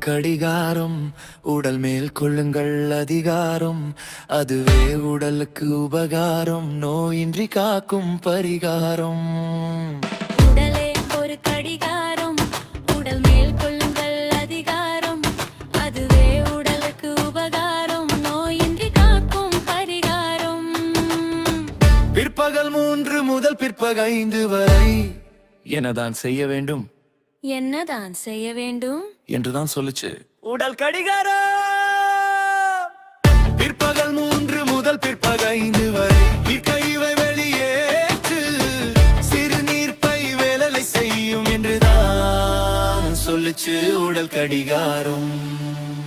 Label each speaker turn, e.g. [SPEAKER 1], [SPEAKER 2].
[SPEAKER 1] கடிகாரம் உடல் மேல் கொள்ளுங்கள் அதிகாரம், அதுவே உடலுக்கு உபகாரம், நோயின்றி காக்கும் பரிகாரம்.
[SPEAKER 2] உடலே ஒரு கடிகாரம், உடல் மேல் கொள்ளுங்கள் அதிகாரம், அதுவே உடலுக்கு உபகாரம், நோயின்றி காக்கும் பரிகாரம்.
[SPEAKER 1] பிற்பகல் 3 முதல் பிற்பகல் 5 வரை என்னதான் செய்ய வேண்டும்,
[SPEAKER 2] என்னதான் செய்ய வேண்டும்
[SPEAKER 1] என்றுதான் சொல்லுச்சு உடல் கடிகாரம். பிற்பகல் 3 முதல் பிற்பகல் 5 வரை கைவை வெளியேற்று, சிறுநீர் பை வேலை செய்யும் என்றுதான் சொல்லுச்சு உடல் கடிகாரம்.